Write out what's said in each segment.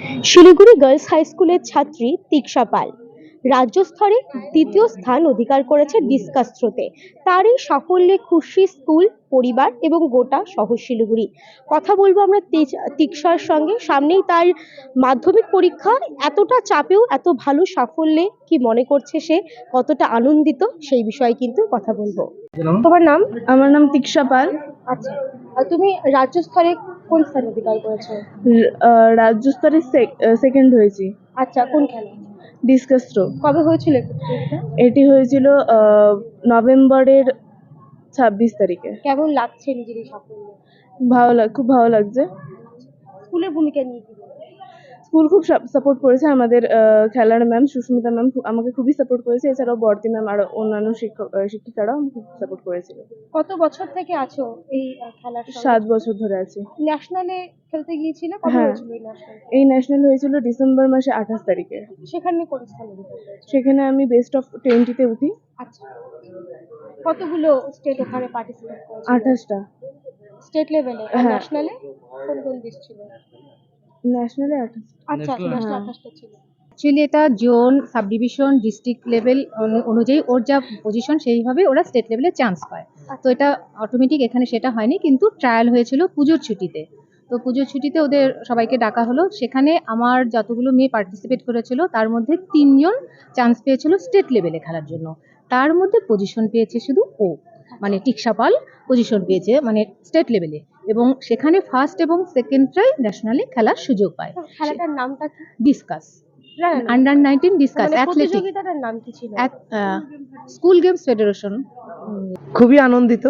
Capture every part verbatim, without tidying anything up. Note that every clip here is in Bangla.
শিলিগুড়ি গার্লস হাই স্কুলের ছাত্রী তিক্সা পাল রাজ্য স্তরে দ্বিতীয় স্থান অধিকার করেছে ডিসকাস থ্রোতে। তার এই সাফল্যে খুশি স্কুল, পরিবার এবং গোটা শহর শিলিগুড়ি। কথা বলবো আমরা তিজ- তিক্সার সঙ্গে। সামনেই তার মাধ্যমিক পরীক্ষা, এতটা চাপেও এত ভালো সাফল্যে কি মনে করছে সে, কতটা আনন্দিত, সেই বিষয়ে কিন্তু কথা বলবো। তোমার নাম? আমার নাম তিক্সা পাল। আচ্ছা, আর তুমি রাজ্য স্তরে কোন স্থান অধিকার করেছো? র- আহ, রাজ্য স্তরে সেকেন্ড হয়েছি। আচ্ছা, কোন খেলা? Discus throw. কবে হয়েছিল এই প্রতিযোগিতা? এটি হয়েছিল আহ, নভেম্বরের ছাব্বিশ তারিখে। কেমন লাগছে নিজের এই সাফল্য? ভালো লাগ খুব ভালো লাগছে। স্কুলের ভূমিকা নিয়ে কি বলবো? স্কুল খুব সাপোর্ট করেছে। আমাদের আহ, খেলার ম্যাম সুস্মিতা ম্যাম আমাকে খুবই সাপোর্ট করেছে। এছাড়াও বর্তি ম্যাম আর অন্যান্য শিক্ষক আহ, শিক্ষিকারাও আমাকে খুব সাপোর্ট করেছিল। কত বছর থেকে আছো এই আহ, খেলার সঙ্গে? সাত বছর ধরে আছি। ন্যাশনালে খেলতে গিয়েছিলে? কবে হ্যাঁ, হয়েছিল এই ন্যাশনাল? এই ন্যাশনাল হয়েছিল ডিসেম্বর মাসে আঠাশ তারিখে। সেখানে কোন স্থান অধিকার করেছো? সেখানে আমি বেস্ট অফ টোয়েন্টিতে উঠি। আচ্ছা, কতগুলো স্টেট ওখানে পার্টিসিপেট করেছিল? আঠাশটা। স্টেট লেভেলে আর হ্যাঁ। ন্যাশনালে কোন কোন দেশ ছিল? ন্যাশনালে আঠাশ। আচ্ছা, ন্যাশনাল হ্যাঁ। আঠাশটা ছিল। অ্যাকচুয়ালি এটা zone, sub division, district level অনুযায়ী ওর যা পজিশন সেইভাবে ওরা স্টেট লেভেলে চান্স পায়। তো এটা অটোমেটিক এখানে সেটা হয়নি, কিন্তু ট্রায়াল হয়েছিল পুজোর ছুটিতে। তো পুজোর ছুটিতে ওদের সবাইকে ডাকা হলো। সেখানে আমার যতগুলো মেয়ে পার্টিসিপেট করেছিল তার মধ্যে তিনজন চান্স পেয়েছিল স্টেট লেভেলে খেলার জন্য। তার মধ্যে পজিশন পেয়েছে শুধু ও, মানে টিক্সা পাল পজিশন পেয়েছে মানে স্টেট লেভেলে, এবং সেখানে ফার্স্ট এবং সেকেন্ডটাই ন্যাশনালে খেলার সুযোগ পায়। তো খেলাটার নামটা কি? ডিসকাস, না, না, না। আন্ডার নাইনটিন ডিসকাস মানে অ্যাথলেটিক, প্রতিযোগিতাটার নাম কি ছিল? School games federation. খুবই আনন্দিত।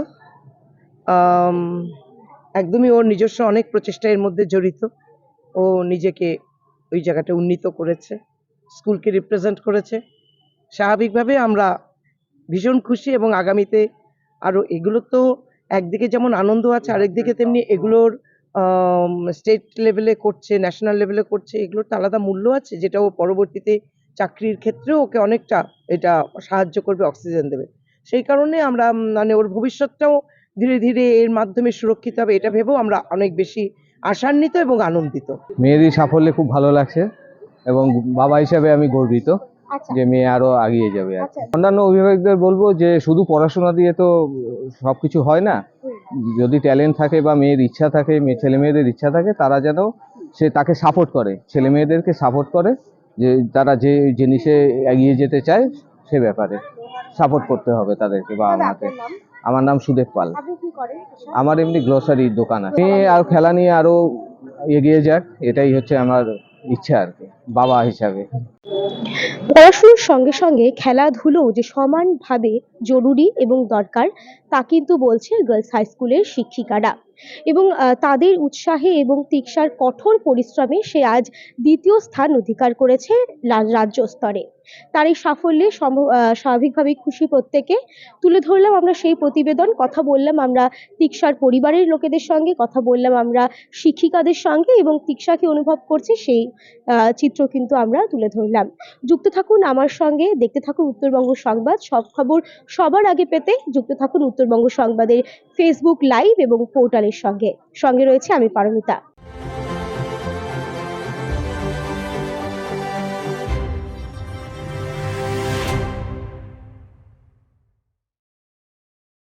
আম, একদমই ওর নিজস্ব অনেক প্রচেষ্টা এর মধ্যে জড়িত। ও নিজেকে ওই জায়গাটা উন্নীত করেছে, স্কুলকে রিপ্রেজেন্ট করেছে। স্বাভাবিকভাবে আমরা ভীষণ খুশি, এবং আগামীতে আরও এগুলো তো একদিকে যেমন আনন্দ আছে, আরেকদিকে তেমনি এগুলোর স্টেট লেভেলে করছে, ন্যাশনাল লেভেলে করছে, এগুলোর তো আলাদা মূল্য আছে, যেটা ও পরবর্তীতে চাকরির ক্ষেত্রেও ওকে অনেকটা এটা সাহায্য করবে, অক্সিজেন দেবে। সেই কারণে আমরা উম, মানে ওর ভবিষ্যৎটাও ধীরে ধীরে এর মাধ্যমে সুরক্ষিত হবে, এটা ভেবেও আমরা অনেক বেশি আশান্বিত এবং আনন্দিত। মেয়েরই সাফল্যে খুব ভালো লাগছে, এবং বাবা হিসাবে আমি গর্বিত আচ্ছা, যে মেয়ে আরো এগিয়ে যাবে। আর আচ্ছা। অন্যান্য অভিভাবকদের বলবো যে শুধু পড়াশোনা দিয়ে তো সবকিছু হয় না। যদি ট্যালেন্ট থাকে বা মেয়ের ইচ্ছা থাকে, মেয়ে ছেলে মেয়েদের ইচ্ছা থাকে, তারা যেন সে তাকে সাপোর্ট করে, ছেলে মেয়েদেরকে সাপোর্ট করে, যে তারা যে জিনিসে এগিয়ে যেতে চায় সে ব্যাপারে সাপোর্ট করতে হবে তাদেরকে বা দাদা, আমাকে। আপনার নাম? আমার নাম সুদেব পাল। আপনি কি করেন? আমার এমনি গ্রোসারির দোকান আছে। মেয়ে আর খেলা নিয়ে আরো এগিয়ে যাক, এটাই হচ্ছে আমার ইচ্ছা আর কি বাবা হিসাবে। পড়াশোনার সঙ্গে সঙ্গে খেলাধুলো যে সমানভাবে জরুরি এবং দরকার, তা কিন্তু বলছে গার্লস হাই স্কুলের শিক্ষিকারা। এবং আহ, তাদের উৎসাহে এবং তিক্সার কঠোর পরিশ্রমে সে আজ দ্বিতীয় স্থান অধিকার করেছে রা- রাজ্য স্তরে। তার এই সাফল্যে সম- আহ, স্বাভাবিকভাবেই খুশি প্রত্যেকে। তুলে ধরলাম আমরা সেই প্রতিবেদন, কথা বললাম আমরা তিক্সার পরিবারের লোকেদের সঙ্গে, কথা বললাম আমরা শিক্ষিকাদের সঙ্গে, এবং তিক্সাকে অনুভব করছে সেই আহ, চিত্র কিন্তু আমরা তুলে ধরলাম। যুক্ত থাকুন আমার সঙ্গে, দেখতে থাকুন উত্তরবঙ্গ সংবাদ। সব খবর সবার আগে পেতে যুক্ত থাকুন উত্তরবঙ্গ সংবাদের ফেসবুক লাইভ এবং পোর্টালের সঙ্গে। সঙ্গে রয়েছে আমি পারমিতা।